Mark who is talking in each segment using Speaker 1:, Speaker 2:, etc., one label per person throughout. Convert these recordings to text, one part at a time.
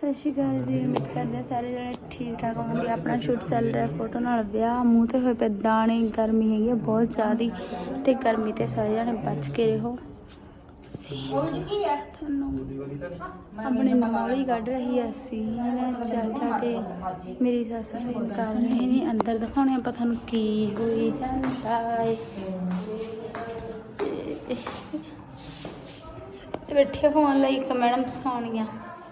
Speaker 1: ਸਤਿ ਸ਼੍ਰੀ ਅਕਾਲ ਜੀ। ਉਮੀਦ ਕਰਦੇ ਸਾਰੇ ਜਣੇ ਠੀਕ ਠਾਕ ਹੋਣਗੇ। ਆਪਣਾ ਸ਼ੂਟ ਚੱਲ ਰਿਹਾ ਫੋਟੋ ਨਾਲ ਵਿਆਹ। ਮੂੰਹ ਤੇ ਹੋਏ ਪਏ ਦਾਣੇ। ਗਰਮੀ ਹੈਗੀ ਆ ਬਹੁਤ ਜ਼ਿਆਦਾ ਤੇ ਗਰਮੀ ਤੇ ਸਾਰੇ ਜਣੇ ਬਚ ਕੇ ਰਹੋ। ਤੁਹਾਨੂੰ ਆਪਣੀ ਨੌਲੀ ਕੱਢ ਰਹੀ ਹੈ ਸੀਨ। ਚਾਚਾ ਤੇ ਮੇਰੀ ਸੱਸ ਸੀਨ ਕਰ ਰਹੇ ਨੇ। ਅੰਦਰ ਦਿਖਾਉਣੇ ਆਪਾਂ ਤੁਹਾਨੂੰ ਕੀ ਹੋਈ ਜਾਂਦਾ ਹੈ। ਬੈਠੇ ਫੋਨ ਲਈ ਇੱਕ ਮੈਡਮ ਸੋਨੀਆ।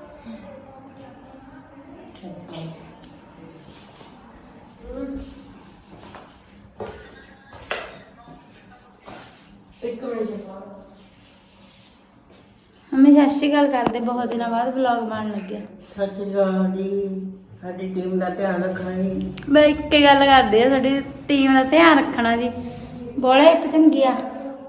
Speaker 1: ਮੰਮੀ ਸਤਿ ਸ਼੍ਰੀ ਅਕਾਲ ਕਰਦੇ। ਬਹੁਤ ਦਿਨਾਂ ਬਾਅਦ ਵਲੌਗ ਬਣਨ ਲੱਗਿਆ।
Speaker 2: ਸਤਿ ਸ਼੍ਰੀ ਅਕਾਲ ਜੀ। ਸਾਡੀ ਟੀਮ ਦਾ ਧਿਆਨ ਰੱਖਣਾ ਜੀ।
Speaker 1: ਮੈਂ ਇੱਕ ਗੱਲ ਕਰਦੇ ਆ, ਸਾਡੀ ਟੀਮ ਦਾ ਧਿਆਨ ਰੱਖਣਾ ਜੀ। ਬੋਲੇ ਚੰਗੀ ਆ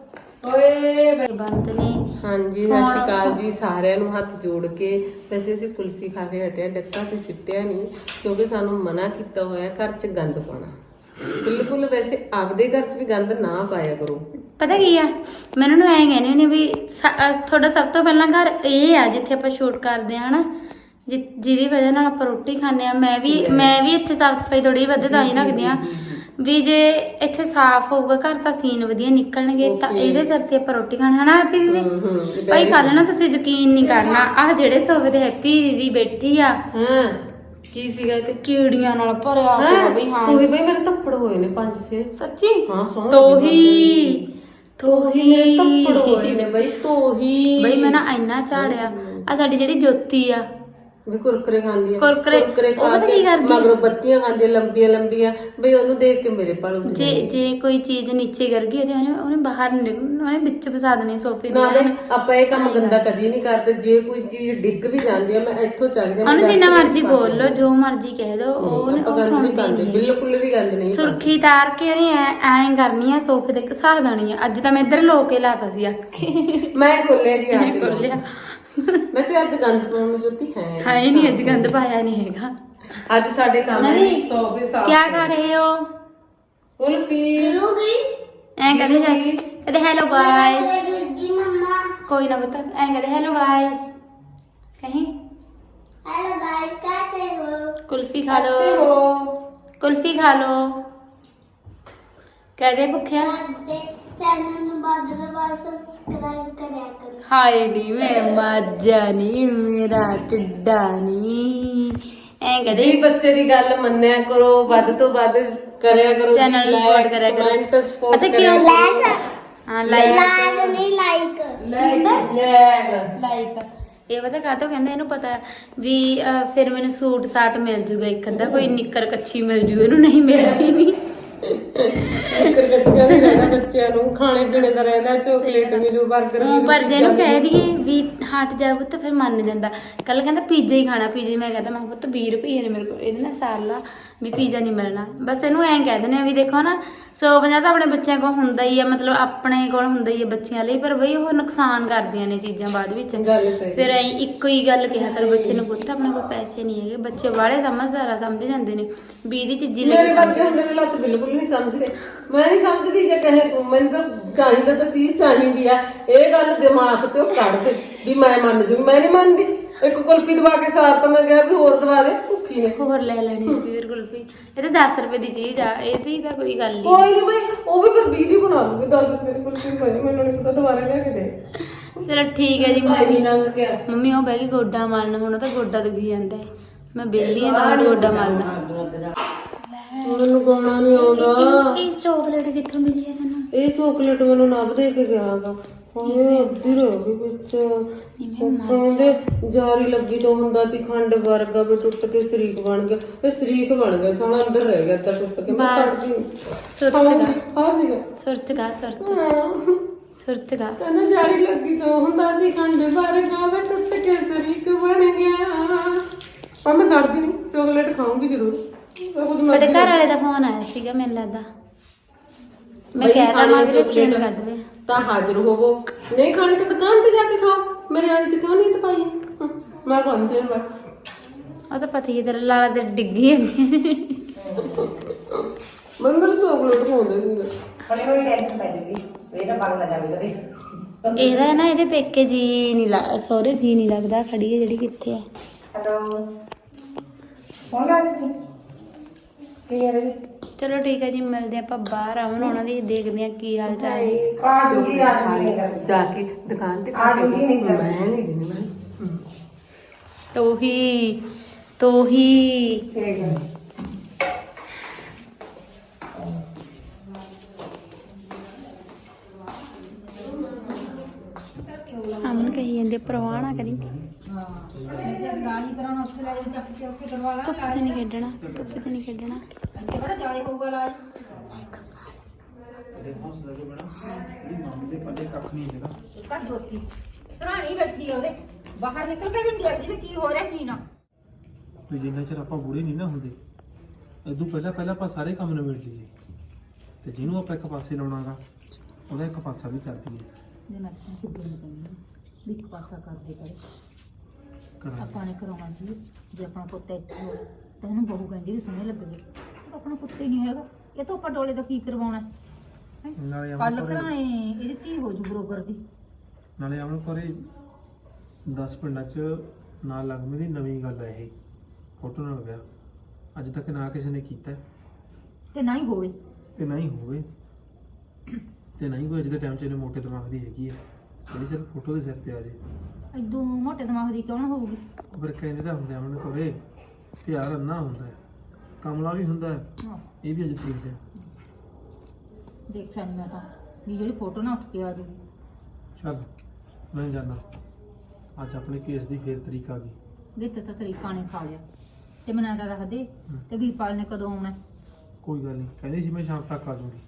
Speaker 1: ਓਏ ਬੰਦ ਨਹੀਂ।
Speaker 3: ਹਾਂਜੀ ਸਤਿ ਸ਼੍ਰੀ ਅਕਾਲ ਜੀ ਸਾਰਿਆਂ ਨੂੰ ਹੱਥ ਜੋੜ ਕੇ। ਵੈਸੇ ਅਸੀਂ ਕੁਲਫੀ ਖਾ ਕੇ ਹਟਿਆ, ਡੱਕਾ ਅਸੀਂ ਸਿੱਟਿਆ ਨਹੀਂ ਕਿਉਂਕਿ ਸਾਨੂੰ ਮਨਾ ਕੀਤਾ ਹੋਇਆ ਘਰ 'ਚ ਗੰਦ ਪਾਉਣਾ ਬਿਲਕੁਲ। ਵੈਸੇ ਆਪਦੇ ਘਰ 'ਚ ਵੀ ਗੰਦ ਨਾ ਪਾਇਆ ਕਰੋ।
Speaker 1: ਪਤਾ ਕੀ ਆ, ਮੈਂ ਇਹਨਾਂ ਨੂੰ ਐਂ ਕਹਿੰਦੀ ਹੁੰਦੀ ਵੀ ਤੁਹਾਡਾ ਸਭ ਤੋਂ ਪਹਿਲਾਂ ਘਰ ਇਹ ਆ ਜਿੱਥੇ ਆਪਾਂ ਸ਼ੂਟ ਕਰਦੇ ਆ ਹਨਾ, ਜਿਹਦੀ ਵਜ੍ਹਾ ਨਾਲ ਆਪਾਂ ਰੋਟੀ ਖਾਂਦੇ ਆ। ਮੈਂ ਵੀ ਇੱਥੇ ਸਾਫ਼ ਸਫਾਈ ਥੋੜੀ ਵੱਧ ਤਾਂ ਹੀ ਰੱਖਦੀ ਆ ਵੀ ਜੇ ਇੱਥੇ ਸਾਫ਼ ਹੋਊਗਾ ਘਰ ਤਾਂ ਸੀਨ ਵਧੀਆ ਨਿਕਲਣਗੇ ਤਾਂ ਇਹਦੇ ਸਿਰ ਤੇ ਆਪਾਂ ਰੋਟੀ ਖਾਣੀ ਹਨਾ। ਹੈਪੀ ਦੀਦੀ ਭਾਈ ਕੱਲ ਨਾ ਤੁਸੀਂ ਯਕੀਨ ਨਹੀਂ ਕਰਨਾ, ਆਹ ਜਿਹੜੇ ਸੋਫੇ ਤੇ ਹੈਪੀ ਦੀਦੀ ਬੈਠੀ ਆ
Speaker 3: ਕੀ ਸੀਗਾ ਤੇ
Speaker 1: ਕੀੜੀਆਂ ਨਾਲ ਭਰਿਆ ਹੋਇਆ ਬਈ। ਹਾਂ
Speaker 3: ਤੂੰ ਹੀ ਬਈ ਮੇਰੇ ਥੱਪੜ ਹੋਏ ਨੇ 5-6
Speaker 1: ਸੱਚੀ।
Speaker 3: ਹਾਂ
Speaker 1: ਤੋਹੀ
Speaker 3: ਮੇਰੇ ਥੱਪੜ ਹੋਏ ਨੇ ਬਈ। ਤੋਹੀ
Speaker 1: ਬਈ ਮੈਂ ਨਾ ਇੰਨਾ ਝਾੜਿਆ। ਆ ਸਾਡੀ ਜਿਹੜੀ ਜੋਤੀ ਆ
Speaker 3: ਵੀ ਕੁਰਕਰੇ ਖਾਂਦੀ ਆ।
Speaker 1: ਕੁਰਕਰੇ
Speaker 3: ਖਾ ਕੇ ਮਗਰੋਂ ਬੱਤੀਆਂ ਖਾਂਦੀ ਲੰਬੀਆਂ ਲੰਬੀਆਂ ਬਈ। ਉਹਨੂੰ ਦੇਖ ਕੇ ਮੇਰੇ ਪਲ ਉੱਠ
Speaker 1: ਜੇ ਕੋਈ ਚੀਜ਼ ਨੀਚੇ ਗਿਰ ਗਈ ਉਹਨੇ ਬਾਹਰ ਉਹਨੇ ਵਿੱਚ ਫਸਾ ਦੇਣੀ ਸੋਫੇ ਦੇ।
Speaker 3: ਨਾ ਬਈ ਆਪਾਂ ਇਹ ਕੰਮ ਗੰਦਾ ਕਦੀ ਨਹੀਂ ਕਰਦੇ। ਜੇ ਕੋਈ ਚੀਜ਼ ਡਿੱਗ ਵੀ ਜਾਂਦੀ ਆ ਮੈਂ ਇੱਥੋਂ ਚੱਕਦੀ ਆ।
Speaker 1: ਉਹਨੂੰ ਜਿੰਨਾ ਮਰਜ਼ੀ ਬੋਲ ਲੋ, ਜੋ ਮਰਜ਼ੀ ਕਹਿ ਦੋ, ਉਹ ਸੁਣਦੀ ਨਹੀਂ।
Speaker 3: ਬਿਲਕੁਲ ਵੀ ਗੰਦ ਨਹੀਂ।
Speaker 1: ਸੁਰਖੀ ਤਾਰ ਕੇ ਉਹਨੇ ਐਂ ਕਰਨੀ ਆ, ਸੋਫੇ ਤੇ ਘਸਾ ਦੇਣੀ ਆ। ਅੱਜ ਤਾਂ ਮੈਂ ਇੱਧਰ ਲੋ ਕੇ ਲਾਤਾ ਸੀ ਅੱਖ ਕੇ।
Speaker 3: ਮੈਂ ਖੋਲਿਆ ਜੀ ਆ
Speaker 1: ਖੋਲਿਆ।
Speaker 3: ਵੈਸੇ ਅੱਜ ਗੰਦ ਪਾਉਣ ਨੂੰ ਜੋਤੀ ਹੈ
Speaker 1: ਨਹੀਂ, ਅੱਜ ਗੰਦ ਪਾਇਆ ਨਹੀਂ ਹੈਗਾ।
Speaker 3: ਅੱਜ ਸਾਡੇ ਕੰਮ ਸੋਫੇ ਸਾਫ।
Speaker 1: ਕੀ ਕਰ ਰਹੇ ਹੋ?
Speaker 3: ਕੁਲਫੀ
Speaker 1: ਐਂ ਕਹਦੇ ਜਸ ਕਹਦੇ ਹੈਲੋ ਗਾਇਸ। ਕੋਈ ਨਾ ਬਤਾ ਐਂ ਕਹਦੇ ਹੈਲੋ ਗਾਇਸ। ਕਹੀਂ
Speaker 2: हेलो गाइस, कैसे हो?
Speaker 1: ਕੁਲਫੀ ਖਾ ਲੋ, ਕੁਲਫੀ ਖਾ ਲੋ। ਕਹਦੇ ਭੁੱਖਿਆ
Speaker 2: चैनल ਨੂੰ ਬਾਅਦ सब्सक्राइब करिया करो।
Speaker 1: ਹਾਏ ਨੀ ਮੈਂ ਮਾਜਾ ਨੀ ਮੇਰਾ ਟਿੱਡਾ ਨੀ। ਐਂ ਕਹਦੇ
Speaker 3: ਜੀ ਬੱਚੇ ਦੀ ਗੱਲ ਮੰਨਿਆ ਕਰੋ, ਵੱਧ ਤੋਂ ਵੱਧ ਕਰਿਆ ਕਰੋ।
Speaker 1: ਚੈਨਲ ਨੂੰ ਸਪੋਰਟ ਕਰਿਆ ਕਰੋ।
Speaker 3: ਕਮੈਂਟ ਸਪੋਰਟ
Speaker 1: ਪਤਾ ਕਿਉਂ? ਹਾਂ ਲਾਈਕ ਇਹ ਪਤਾ ਕਾਹਤੋਂ ਕਹਿੰਦਾ, ਇਹਨੂੰ ਪਤਾ ਵੀ ਫਿਰ ਮੈਨੂੰ ਸੂਟ ਸਾਟ ਮਿਲ ਜੂਗਾ ਇੱਕ ਅੱਧਾ, ਕੋਈ ਨਿੱਕਰ ਕੱਛੀ ਮਿਲ ਜੂ, ਇਹਨੂੰ ਨਹੀਂ ਮਿਲਦੀ ਨਹੀਂ।
Speaker 3: ਨਿੱਕਰ ਕੱਛੀਆਂ ਵੀ ਰਹਿਣਾ ਬੱਚਿਆਂ ਨੂੰ, ਖਾਣੇ ਪੀਣੇ ਦਾ ਰਹਿੰਦਾ, ਚੋਕਲੇਟ ਮਿਲੂ, 버ਗਰ ਮਿਲੂ।
Speaker 1: ਪਰ ਜੇ ਇਹਨੂੰ ਕਹਿ ਦਈਏ ਵੀ ਹਟ ਜਾ ਪੁੱਤ ਫਿਰ ਮੰਨ ਜਾਂਦਾ। ਕੱਲ ਕਹਿੰਦਾ ਪੀਜ਼ਾ ਹੀ ਖਾਣਾ। ਪੀਜ਼ਾ ਮੈਂ ਕਹਿੰਦਾ ਮੈਂ ਪੁੱਤ 20 ਰੁਪਏ ਨੇ ਮੇਰੇ ਕੋਲ, ਇਹਦੇ ਨਾਲ ਸਾਲਾ ਵੀ ਪੀਜ਼ਾ ਨਹੀਂ ਮਿਲਣਾ। ਬਸ ਇਹਨੂੰ ਐਂ ਕਹਿ ਦਿੰਦੇ ਆ ਵੀ ਦੇਖੋ ਨਾ 150 ਤਾਂ ਆਪਣੇ ਬੱਚਿਆਂ ਕੋਲ ਹੁੰਦਾ ਹੀ ਆ, ਮਤਲਬ ਆਪਣੇ ਕੋਲ ਹੁੰਦਾ ਹੀ ਆ ਬੱਚਿਆਂ ਲਈ, ਪਰ ਬਈ ਉਹ ਨੁਕਸਾਨ ਕਰਦੀਆਂ ਨੇ ਚੀਜ਼ਾਂ ਬਾਅਦ ਵਿੱਚ। ਫਿਰ ਐਂ ਇੱਕੋ ਹੀ ਗੱਲ ਕਿਹਾ ਕਰ ਬੱਚੇ ਨੂੰ, ਪੁੱਤ ਆਪਣੇ ਕੋਲ ਪੈਸੇ ਨਹੀਂ ਹੈਗੇ। ਬੱਚੇ ਬਾਹਲੇ ਸਮਝਦਾਰ ਆ, ਸਮਝ ਜਾਂਦੇ ਨੇ ਵੀ ਇਹਦੀ ਚੀਜ਼ੀ ਲਈ।
Speaker 3: ਮੇਰੇ ਬੱਚੇ ਹੁੰਦੇ ਨੇ ਲੱਤ ਬਿਲਕੁਲ ਨਹੀਂ ਸਮਝਦੇ। ਮੈਂ ਨਹੀਂ ਸਮਝਦੀ ਜੇ ਕਹੇ ਤੂੰ ਮੈਨੂੰ ਤਾਂ ਚਾਹੀਦਾ ਤਾਂ ਚੀਜ਼ ਚਾਹੀਦੀ ਆ। ਇਹ ਗੱਲ ਦਿਮਾਗ ਚੋਂ ਕੱਢ ਦੇ ਵੀ ਮੈਂ ਮੰਨ ਜੂ। ਮੈਂ ਨਹੀਂ ਮੰਨਦੀ। ਇੱਕ ਕੁਲਫੀ ਦਵਾ ਕੇ ਸਾਰ ਤਾਂ ਮੈਂ ਕਿਹਾ ਵੀ ਹੋਰ ਦਵਾ ਦੇ, ਭੁੱਖੀ ਨੇ
Speaker 1: ਹੋਰ ਲੈ ਲੈਣੀ ਸੀ ਫਿਰ ਕੁਲਫੀ। ਇਹ ਤਾਂ 10 ਰੁਪਏ ਦੀ ਚੀਜ਼ ਆ, ਇਹਦੀ ਤਾਂ ਕੋਈ ਗੱਲ ਨਹੀਂ।
Speaker 3: ਕੋਈ ਨਹੀਂ ਬਈ, ਉਹ ਵੀ ਫਿਰ 20 ਦੀ ਬਣਾ ਲੂਗੀ। 10 ਰੁਪਏ ਦੀ ਕੁਲਫੀ ਭਾਜੀ ਮੈਨੂੰ ਨਹੀਂ ਪਤਾ, ਦੁਬਾਰਾ ਲਿਆ ਕੇ ਦੇ।
Speaker 1: ਚਲੋ ਠੀਕ ਹੈ ਜੀ। ਮੰਮੀ ਉਹ ਬਹਿ ਗਈ ਗੋਡਾ ਮਲਣ। ਹੁਣ ਤਾਂ ਗੋਡਾ ਦੁਖੀ ਜਾਂਦਾ ਹੈ। ਮੈਂ ਬੇਲੀ ਆ ਤਾਂ ਗੋਡਾ ਮਲਦਾ।
Speaker 3: ਮੈਨੂੰ ਗਾਣਾ ਨਹੀਂ ਆਉਂਦਾ।
Speaker 1: ਇਹ ਚਾਕਲੇਟ ਕਿੱਥੋਂ ਮਿਲੀ ਹੈ ਤੈਨੂੰ?
Speaker 3: ਇਹ ਚਾਕਲੇਟ ਮੈਨੂੰ ਨਵ ਦੇ ਕੇ ਗਿਆ ਗਾ। ਹਾਏ ਅੱਧੀ ਰਹਿ ਗਈ ਵਿੱਚ। ਕਹਿੰਦੇ ਜਾਰੀ ਲੱਗੀ ਤੋਂ ਹੁੰਦਾ ਤੀ ਖੰਡ ਵਰਗਾ ਵੀ ਟੁੱਟ ਕੇ ਸ਼ਰੀਕ ਬਣ ਗਿਆ। ਇਹ ਸ਼ਰੀਕ ਬਣ ਗਿਆ, ਸੋਹਣਾ ਅੰਦਰ ਰਹਿ ਗਿਆ ਤਾਂ ਟੁੱਟ ਕੇ।
Speaker 1: ਬਸ ਸੁਰਚ ਗਾ
Speaker 3: ਕਹਿੰਦਾ ਜਾਰੀ ਲੱਗੀ ਤੋਂ ਹੁੰਦਾ ਤੀ ਖੰਡ ਵਰਗਾ ਵੀ ਟੁੱਟ ਕੇ ਸ਼ਰੀਕ ਬਣ ਗਿਆ। ਪਰ ਮੈਂ ਛੱਡਦੀ ਨਹੀਂ, ਚਾਕਲੇਟ ਖਾਊਂਗੀ ਜ਼ਰੂਰ।
Speaker 1: ਤੁਹਾਡੇ ਘਰ ਵਾਲੇ ਦਾ ਫੋਨ ਆਇਆ ਸੀਗਾ ਮੈਨੂੰ ਲੱਗਦਾ। ਮੈਂ ਕਹਿ ਦਵਾਂ ਵੀ ਸੀਨ ਕੱਢ ਦੇ
Speaker 3: ਤਾਂ ਹਾਜ਼ਰ ਹੋਵੋ। ਨਹੀਂ ਖਾਣੀ ਤਾਂ ਦੁਕਾਨ ਤੇ ਜਾ ਕੇ ਖਾਓ। ਮੇਰੇ ਵਾਲੀ ਚ ਕਿਉਂ ਨਹੀਂ ਪਾਈ? ਮੈਂ ਖਾਣੀ ਤੇ
Speaker 1: ਉਹ ਤਾਂ ਪਤਾ ਹੀ ਤੇਰੇ ਲਾਲਾ ਤੇ ਡਿੱਗੀ ਜਾਂਦੀ।
Speaker 3: ਮੰਗਲ ਚਾਕਲੇਟ ਖਾਉਂਦੇ ਸੀਗੇ।
Speaker 2: ਥੋੜੀ ਥੋੜੀ ਟੈਨਸ਼ਨ ਪੈ ਜੂਗੀ, ਇਹ ਤਾਂ ਬੰਦ ਨਾ ਜਾਵੇ ਕਦੇ।
Speaker 1: ਇਹਦਾ ਨਾ ਇਹਦੇ ਪੇਕੇ ਜੀ ਨਹੀਂ ਸਹੁਰੇ ਜੀ ਨਹੀਂ ਲੱਗਦਾ। ਖੜੀ ਹੈ ਜਿਹੜੀ ਕਿੱਥੇ ਆ
Speaker 4: ਹੈਲੋ ਫੋਨ ਲਾ ਤੁਸੀਂ ਕੀ ਕਰ ਰਹੇ
Speaker 1: ਚਲੋ ਠੀਕ ਹੈ ਜੀ, ਮਿਲਦੇ ਆਪਾਂ ਬਾਹਰ ਆਉਣ ਉਹਨਾਂ ਦੀ, ਦੇਖਦੇ ਆ ਕੀ ਹਾਲ ਚਾਲ ਹੈ।
Speaker 4: ਆ ਜੂਗੀ ਨਹੀਂ ਕਰ
Speaker 3: ਜਾ ਕੇ ਦੁਕਾਨ ਤੇ
Speaker 4: ਆ ਜੂਗੀ ਨਹੀਂ ਕਰ
Speaker 3: ਮੈਂ ਨਹੀਂ ਦੇਣੀ ਮੈਂ
Speaker 1: ਤੋਹੀ
Speaker 4: ਠੀਕ ਹੈ
Speaker 1: ਅਮਨ ਕਹੀ ਜਾਂਦੇ ਪਰਵਾਹ ਨਾ ਕਰੀ,
Speaker 5: ਗਾਲੀ ਕਰਾਉਣਾ ਉੱਥੇ ਲੈ ਜਾ ਚੱਕ ਕੇ ਉੱਥੇ ਕਰਵਾ ਲਾ
Speaker 1: ਧੁੱਪ 'ਚ ਨਹੀਂ ਖੇਡਣਾ, ਧੁੱਪ 'ਚ ਨਹੀਂ ਖੇਡਣਾ।
Speaker 5: ਇੱਥੇ ਬੜਾ ਜ਼ਿਆਦਾ ਹੋਊਗਾ ਲਾਜ ਕੱਢ ਦੋਤੀ ਸਰਾਣੀ ਬੈਠੀ ਆ ਉਹਦੇ ਬਾਹਰ ਨਿਕਲ ਕੇ ਵੀ ਨਹੀਂ ਦੇਖਦੀ ਵੀ ਕੀ ਹੋ ਰਿਹਾ ਕੀ ਨਾ।
Speaker 6: ਵੀ ਜਿੰਨਾ ਚਿਰ ਆਪਾਂ ਬੁੜੇ ਨਹੀਂ ਨਾ ਹੁੰਦੇ ਇਦੋਂ ਪਹਿਲਾਂ ਆਪਾਂ ਸਾਰੇ ਕੰਮ ਨਿਬੇੜ ਲਈਏ ਤੇ ਜਿਹਨੂੰ ਆਪਾਂ ਇੱਕ ਪਾਸੇ ਲਾਉਣਾਗਾ ਉਹਦਾ ਇੱਕ ਪਾਸਾ ਵੀ ਕਰ ਦਈਏ।
Speaker 5: ਜੇ ਮੈਂ ਕਿੱਦਾਂ ਨਹੀਂ ਕਹਿੰਦੀ ਵੀ ਇੱਕ ਪਾਸਾ ਕਰਦੇ ਕਰੇ
Speaker 6: ਕਰਾਂਗੇ।
Speaker 5: ਆਪਾਂ ਨੇ ਕਰਾਉਣਾ ਜੀ ਜੇ ਆਪਣਾ ਪੁੱਤ ਇੱਥੇ ਹੋਵੇ ਤਾਂ ਇਹਨੂੰ ਬਹੂ ਕਹਿੰਦੀ ਵੀ ਸੋਹਣੇ ਲੱਗਦੇ, ਆਪਣਾ ਪੁੱਤ ਹੀ ਨਹੀਂ ਹੈਗਾ ਇਹ ਤਾਂ ਆਪਾਂ ਡੋਲੇ ਦਾ ਕੀ ਕਰਵਾਉਣਾ।
Speaker 6: ਨਾਲੇ
Speaker 5: ਕੱਲ
Speaker 6: ਆਉਣ
Speaker 5: ਘਰਾਣੇ ਇਹਦੀ ਧੀ ਹੋ ਜੂ ਬਰੋਬਰ ਦੀ।
Speaker 6: ਨਾਲੇ ਆਉਣ ਕੋਰੇ 10 ਪਿੰਡਾਂ 'ਚ ਨਾ ਲੱਗਮੀ ਦੀ ਨਵੀਂ ਗੱਲ ਹੈ ਇਹ ਫੋਟੋ ਨਾਲ ਵਿਆਹ ਅੱਜ ਤੱਕ ਨਾ ਕਿਸੇ ਨੇ ਕੀਤਾ
Speaker 5: ਤੇ ਨਾ ਹੀ ਹੋਵੇ
Speaker 6: ਤੇ ਨਾ ਹੀ ਹੋਵੇ ਤੇ ਨਹੀਂ ਕੋਈ ਅੱਜ ਦੇ ਟਾਈਮ 'ਚ ਇਹਨੇ ਮੋਟੇ ਦਿਮਾਗ ਦੀ ਹੈਗੀ ਹੈ ਜਿਹੜੀ ਸਿਰਫ ਫੋਟੋ ਦੇ ਸਿਰ ਤੇ ਆ ਜੇ।
Speaker 5: ਇਦੋਂ ਮੋਟੇ ਦਿਮਾਗ ਦੀ ਕਿਉਂ ਨਾ ਹੋਊਗੀ।
Speaker 6: ਫਿਰ ਕਹਿੰਦੇ ਤਾਂ ਹੁੰਦੇ ਆਉਣ ਕੋਰੇ ਪਿਆਰ ਅੰਨਾ ਹੁੰਦਾ ਹੈ, ਕਮਲਾ ਵੀ ਹੁੰਦਾ ਹੈ,
Speaker 5: ਹਾਂ,
Speaker 6: ਇਹ ਵੀ ਅੱਜ ਦੇਖਦੇ ਆ।
Speaker 5: ਦੇਖਿਆ ਨਹੀਂ ਮੈਂ ਤਾਂ ਵੀ ਜਿਹੜੀ ਫੋਟੋ ਨਾ ਉੱਠ ਕੇ ਆ ਜੂਗੀ।
Speaker 6: ਚੱਲ ਮੈਂ ਜਾਣਾ, ਅੱਜ ਆਪਣੇ ਕੇਸ ਦੀ ਫੇਰ ਤਰੀਕ ਆ ਗਈ।
Speaker 5: ਵਿੱਚ ਤਾਂ ਤਰੀਕਾ ਨੇ ਖਾ ਲਿਆ ਤੇ ਮਨਾ ਦਾ ਰੱਖ ਦੇ ਤੇ ਵੀਰਪਾਲ ਨੇ ਕਦੋਂ ਆਉਣਾ।
Speaker 6: ਕੋਈ ਗੱਲ ਨਹੀਂ, ਕਹਿੰਦੀ ਸੀ ਮੈਂ ਸ਼ਾਮ ਤੱਕ ਆ ਜਾਊਗੀ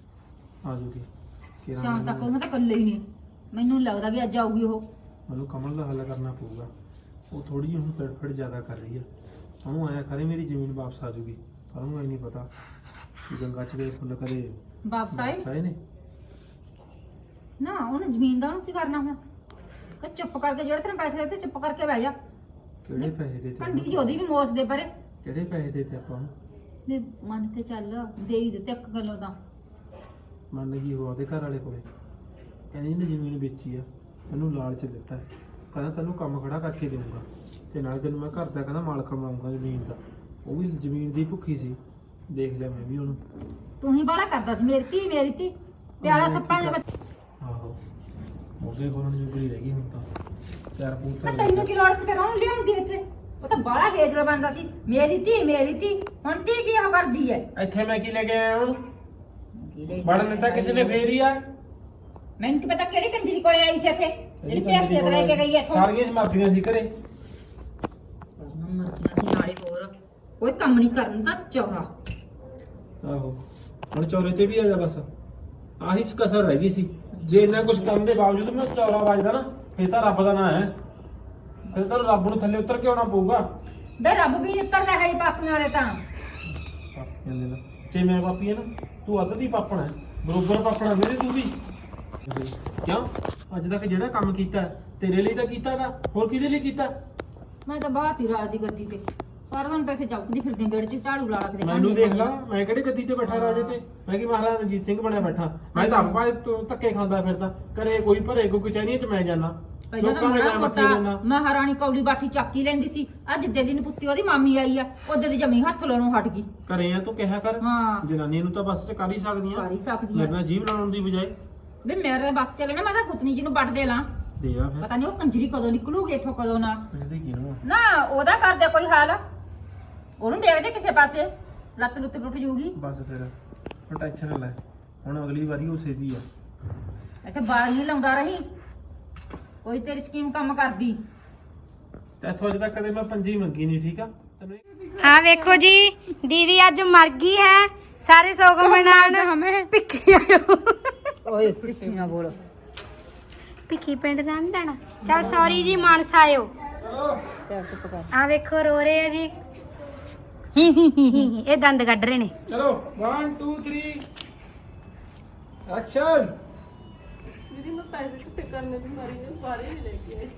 Speaker 6: ਕਿਹੜਾ
Speaker 5: ਸ਼ਾਮ ਤੱਕ ਉਹਨੇ ਤਾਂ ਇਕੱਲੇ ਹੀ ਨੇ, ਮੈਨੂੰ ਲੱਗਦਾ ਵੀ ਅੱਜ ਆਊਗੀ ਉਹ।
Speaker 6: ਮੈਨੂੰ ਕਮਲ ਦਾ ਹੱਲ ਕਰਨਾ ਪਊਗਾ, ਉਹ ਥੋੜੀ ਜਿਹੀ ਹੁਣ ਤੜਫੜ ਜ਼ਿਆਦਾ ਕਰ ਰਹੀ ਆ। ਉਹਨੂੰ ਆਇਆ ਕਰੇ ਮੇਰੀ ਜ਼ਮੀਨ ਵਾਪਸ ਆ ਜਾਊਗੀ, ਪਰ ਉਹਨੂੰ ਇਹ ਨਹੀਂ ਪਤਾ ਕਿ ਗੰਗਾ ਚ ਗਏ ਫੁੱਲ ਕਰੇ
Speaker 5: ਵਾਪਸ ਆਏ
Speaker 6: ਨੇ।
Speaker 5: ਨਾ ਉਹਨੇ ਜ਼ਮੀਨ ਦਾ ਉਹਨੂੰ ਕੀ ਕਰਨਾ ਹੁਣ, ਕਿ ਚੁੱਪ ਕਰਕੇ ਜਿਹੜੇ ਤੈਨੂੰ ਪੈਸੇ ਦਿੱਤੇ ਚੁੱਪ ਕਰਕੇ ਬਹਿ ਜਾ।
Speaker 6: ਕਿਹੜੇ ਪੈਸੇ ਦੇ
Speaker 5: ਕੰਡੀ
Speaker 6: ਤੇ
Speaker 5: ਜੀ ਉਹਦੀ ਵੀ ਮੋਸ ਦੇ ਪਰੇ
Speaker 6: ਕਿਹੜੇ ਪੈਸੇ ਦੇ ਤੇ ਆਪਾਂ ਨੂੰ
Speaker 5: ਵੀ ਮੰਨ ਕੇ ਚੱਲ ਦੇ ਹੀ ਦਿੱਤੇ ਇੱਕ ਗੱਲੋਂ ਤਾਂ।
Speaker 6: ਮੰਨ ਗਈ ਉਹ ਉਹਦੇ ਘਰ ਵਾਲੇ ਕੋਲੇ, ਕਹਿੰਦੀ ਇਹਨੇ ਜ਼ਮੀਨ ਵੇਚੀ ਆ, ਮੈਨੂੰ ਲਾਲਚ ਦਿੱਤਾ, ਕਹਿੰਦਾ ਤੈਨੂੰ ਕੰਮ ਖੜਾ ਕਰਕੇ ਦੇਊਂਗਾ ਤੇ ਨਾਲੇ ਤੈਨੂੰ ਮੈਂ ਘਰ ਦਾ ਕਹਿੰਦਾ ਮਾਲਕ ਬਣਾਉਂਗਾ ਜ਼ਮੀਨ ਦਾ। ਉਹ ਵੀ ਜ਼ਮੀਨ ਦੀ ਭੁੱਖੀ ਸੀ, ਦੇਖ ਲਿਆ ਮੈਂ ਵੀ ਉਹਨੂੰ।
Speaker 5: ਤੂੰ ਹੀ ਬਾਹਲਾ ਕਰਦਾ ਸੀ ਮੇਰੀ ਧੀ ਪਿਆਰਾ ਸੱਪਾਂ ਦੇ ਵਿੱਚ।
Speaker 6: ਆਹੋ ਉਹਦੇ ਕੋਲ ਨੂੰ ਜੁਗਰੀ ਰਹਿ ਗਈ ਹੁਣ ਤਾਂ ਚਾਰ
Speaker 5: ਮੈਂ
Speaker 6: ਪੂਤ
Speaker 5: ਤੈਨੂੰ ਕੀ ਲੋੜ ਸੀ ਫਿਰ ਉਹਨੂੰ ਲਿਆਉਂਦੀ ਇੱਥੇ, ਉਹ ਤਾਂ ਬਾਹਲਾ ਹੇਜਲਾ ਬਣਦਾ ਸੀ ਮੇਰੀ ਧੀ ਹੁਣ ਧੀ ਕੀ ਉਹ ਕਰਦੀ ਹੈ।
Speaker 6: ਇੱਥੇ ਮੈਂ ਕੀ ਲੈ ਕੇ ਆਇਆ ਹੁਣ ਵੜਨ ਤਾਂ ਕਿਸੇ ਨੇ ਫੇਰ ਹੀ ਆ।
Speaker 5: ਮੈਨੂੰ ਕੀ ਪਤਾ ਕਿਹੜੀ ਕੰਜਰੀ ਕੋਲੇ ਆਈ ਸੀ ਇੱਥੇ ਜਿਹੜੀ ਪੈਸੇ ਲੈ ਕੇ ਗਈ ਇੱਥੋਂ।
Speaker 6: ਸਾਰੀਆਂ ਸਮਰਦੀਆਂ ਸੀ ਘਰੇ।
Speaker 5: ਮਰਦੀਆਂ ਸੀ ਨਾਲੇ ਹੋਰ ਕੋਈ ਕੰਮ ਨਹੀਂ ਕਰਨ ਦਾ ਚੌਰਾ।
Speaker 6: ਆਹੋ ਹੁਣ ਚੌਰੇ ਤੇ ਵੀ ਆ ਜਾ, ਬਸ ਆਹੀ ਕਸਰ ਰਹਿ ਗਈ ਸੀ। ਜੇ ਇੰਨਾ ਕੁਝ ਕਰਨ ਦੇ ਬਾਵਜੂਦ ਮੈਂ ਚੌਰਾ ਵੱਜਦਾ ਨਾ, ਫੇਰ ਤਾਂ ਰੱਬ ਦਾ ਨਾਂ ਹੈ। ਫਿਰ ਤਾਂ ਰੱਬ ਨੂੰ ਥੱਲੇ ਉਤਰ ਕੇ ਆਉਣਾ ਪਊਗਾ।
Speaker 5: ਬੇ ਰੱਬ ਵੀ ਉਤਰਦਾ ਹੈ ਪਾਪੀਆਂ ਵਾਲੇ ਤਾਂ।
Speaker 6: ਪਾਪੀਆਂ ਦੇ ਨਾਲ ਜੇ ਮੈਂ ਪਾਪੀ ਹੈ ਨਾ, ਤੂੰ ਅੱਧ ਦੀ ਪਾਪਣਾ ਹੈ, ਬਰੋਬਰ ਪਾਪਣਾ ਮੇਰੇ ਤੂੰ ਵੀ। ਕਿਉਂ ਅੱਜ ਤੱਕ ਜਿਹੜਾ ਕੰਮ ਕੀਤਾ ਤੇਰੇ ਲਈ ਤਾਂ ਕੀਤਾਗਾ, ਹੋਰ ਕਿਹਦੇ ਲਈ ਕੀਤਾ?
Speaker 5: ਮੈਂ ਤਾਂ ਬਾਹਰ ਹੀ ਰਾਜ ਦੀ ਗੱਦੀ ਤੇ ਸਾਰਾ ਦਿਨ ਪੈਸੇ ਚੌਕਦੀ ਫਿਰਦੀ ਵਿਹੜੇ 'ਚ ਝਾੜੂ ਲਾ ਕੇ।
Speaker 6: ਮੈਨੂੰ ਦੇਖ ਲਾ, ਮੈਂ ਕਿਹੜੇ ਗੱਦੀ ਤੇ ਬੈਠਾ ਰਾਜੇ ਤੇ, ਮੈਂ ਕੀ ਮਹਾਰਾਜਾ ਰਣਜੀਤ ਸਿੰਘ ਬਣਿਆ ਬੈਠਾ। ਮੈਂ ਤਾਂ ਆਪਾਂ ਧੱਕੇ ਖਾਂਦਾ ਫਿਰਦਾ, ਘਰੇ ਕੋਈ ਭਰੇ ਕੋਈ ਕਚਹਿਰੀਆਂ 'ਚ ਮੈਂ ਜਾਣਾ,
Speaker 5: ਪਹਿਲਾਂ ਤਾਂ
Speaker 6: ਲੋਕਾਂ ਦੇ
Speaker 5: ਮਾੜਾ
Speaker 6: ਮੈਂ ਮੱਥੇ
Speaker 5: ਮੋਟਾ
Speaker 6: ਦੇਣਾ।
Speaker 5: ਮਹਾਰਾਣੀ ਕੌਲੀ ਬਾਠੀ ਚੱਕੀ ਲੈਂਦੀ ਸੀ। ਅੱਜ ਜਿੱਦੇ ਦਿਨ ਪੁੱਤੀ ਉਹਦੀ ਮਾਮੀ ਆਈ ਆ ਉਹਦੇ ਦੀ ਜਮੀ ਹੱਥ ਲਾਉਣੋਂ ਹਟ ਗਈ।
Speaker 6: ਘਰੇ ਆ ਤੂੰ ਕਿਹਾ ਕਰ,
Speaker 5: ਹਾਂ
Speaker 6: ਜਨਾਨੀ ਨੂੰ ਤਾਂ ਬਸ ਚ ਕਰ ਹੀ ਸਕਦੀਆਂ,
Speaker 5: ਕਰ ਹੀ ਸਕਦੀ
Speaker 6: ਮੇਰੇ
Speaker 5: ਆ।
Speaker 6: ਨਾਲ ਜੀਭ ਲਾਉਣ ਦੀ ਬਜਾਏ
Speaker 5: ਵੀ ਮੇਰੇ ਬੱਸ ਚੱਲੇ ਨਾ, ਮੈਂ ਤਾਂ ਗੁੱਤਨੀ ਜੀ ਨੂੰ ਵੱਢ ਦੇ ਲਾਂ।
Speaker 6: ਦੇ ਆ ਫਿਰ
Speaker 5: ਪਤਾ ਨਹੀਂ ਉਹ ਕੰਜਰੀ ਕਦੋਂ ਨਿਕਲੂਗੀ ਇੱਥੋਂ ਕਦੋਂ ਨਾ।
Speaker 6: ਇਹਦੇ ਕਿਹਨੂੰ
Speaker 5: ਨਾ ਉਹਦਾ ਕਰਦੇ ਕੋਈ ਹਾਲ, ਉਹਨੂੰ ਦੇਖਦੇ ਕਿਸੇ ਪਾਸੇ ਲੱਤ ਲੁੱਤ ਟੁੱਟ ਜੂਗੀ।
Speaker 6: ਬਸ ਫਿਰ ਹੁਣ ਟੈਨਸ਼ਨ ਨਾ ਲੈ, ਹੁਣ ਅਗਲੀ ਵਾਰੀ ਉਸੇ ਦੀ ਆ।
Speaker 5: ਇੱਥੇ ਬਾਲ ਨਹੀਂ ਲਾਉਂਦਾ ਰਹੀ, ਕੋਈ ਤੇਰੀ ਸਕੀਮ ਕੰਮ ਕਰਦੀ।
Speaker 6: ਤੇ ਇੱਥੋਂ ਅਜੇ ਤੱਕ ਕਦੇ ਮੈਂ ਪੰਜੀ ਮੰਗੀ ਨਹੀਂ, ਠੀਕ ਆ ਤੈਨੂੰ।
Speaker 1: हाँ देखो जी, दीदी आज मर गई है, सारे सोग मनान पिक्की आयो।
Speaker 5: ਓਏ ਪਿੱਛੇ ਨਾ ਬੋਲ।
Speaker 1: पिक्की पिंड दा नहीं जाना। चल सॉरी जी, मानसा आयो।
Speaker 5: ਚੱਲ ਚੁੱਪ ਕਰ।
Speaker 1: आ वेखो रो रहे हैं जी, ही ये दंद कढ़ रहे ने।
Speaker 6: ਚਲੋ 1 2 3 ਐਕਸ਼ਨ।
Speaker 3: ਦੀਦੀ ਮੈਂ ਪੈਸੇ ਕਿੱਥੇ ਕਰਨੇ ਦੀ ਮਾਰੀ ਨੇ ਬਾਰੇ ਨਹੀਂ ਲੈ ਕੇ ਆਈ।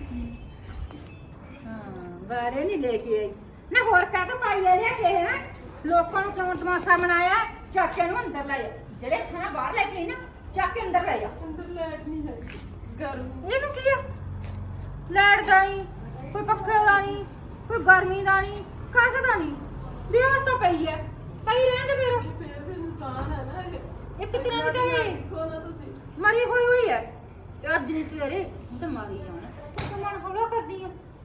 Speaker 5: ਹਾਂ ਬਾਰੇ ਨਹੀਂ ਲੈ ਕੇ ਆਈ ਨਾ, ਹੋਰ ਕਾਹ ਤੋਂ ਪਾਈ ਆ ਰਿਹਾ ਕਿ ਹੈ ਲੋਕਾਂ ਨੂੰ ਕਿਉਂ ਤਮਾਸ਼ਾ ਮਨਾਇਆ। ਚੱਕ ਕੇ ਨੂੰ ਅੰਦਰ ਲੈ ਜਾ, ਜਿਹੜੇ ਥਾਂ ਬਾਹਰ ਲੈ ਕੇ ਆਈ ਨਾ ਚੱਕ ਕੇ ਅੰਦਰ ਲੈ ਜਾ।
Speaker 3: ਅੰਦਰ ਲਾਈਟ ਨਹੀਂ ਹੈ, ਗਰਮ।
Speaker 5: ਇਹਨੂੰ ਕੀ ਆ, ਲੈਟ ਦਾ ਨਹੀਂ, ਕੋਈ ਪੱਖੇ ਦਾ ਨਹੀਂ, ਕੋਈ ਗਰਮੀ ਦਾ ਨਹੀਂ ਕਾਸੇ ਦਾ ਨਹੀਂ ਬੇਹੋਸ਼ ਤਾਂ ਪਈ ਐ ਪਈ ਰਹਿੰਦੇ ਫਿਰ ਇੱਕ ਤਰ੍ਹਾਂ ਦੀ ਤਾਂ ਇਹ ਮਰੀ ਹੋਈ ਐ ਤੇ ਅੱਜ ਨਹੀਂ ਸਵੇਰੇ ਤਾਂ ਮਾਰੀ ਜਾਣਾ ਤੂੰ ਮਨ ਹੌਲਾ ਕਰਦੀ ਐ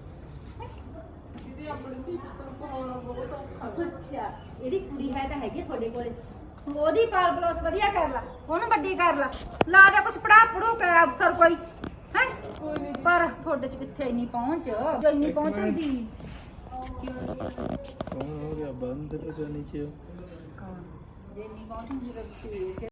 Speaker 5: ਅੱਛਾ ਇਹਦੀ ਕੁੜੀ ਹੈ ਤਾਂ ਹੈਗੀ ਆ ਤੁਹਾਡੇ ਕੋਲੇ ਉਹਦੀ ਪਾਲ ਪਲੋਸ ਵਧੀਆ ਕਰ ਲਾ ਉਹਨੂੰ ਵੱਡੀ ਕਰ ਲਾ ਦੇ ਕੁਛ ਪੜਾ ਪੜੂ ਕੇ ਅਫਸਰ ਕੋਈ ਹੈ ਪਰ ਤੁਹਾਡੇ ਚ ਕਿੱਥੇ ਇੰਨੀ ਪਹੁੰਚ ਜੋ ਇੰਨੀ ਪਹੁੰਚ ਹੁੰਦੀ
Speaker 6: ਕੌਣ ਹੋ ਗਿਆ ਬੰਦ ਤੇ ਨੀਚੇ
Speaker 5: ਜੇ ਇੰਨੀ ਪਹੁੰਚ ਹੁੰਦੀ ਤਾਂ ਤੁਸੀਂ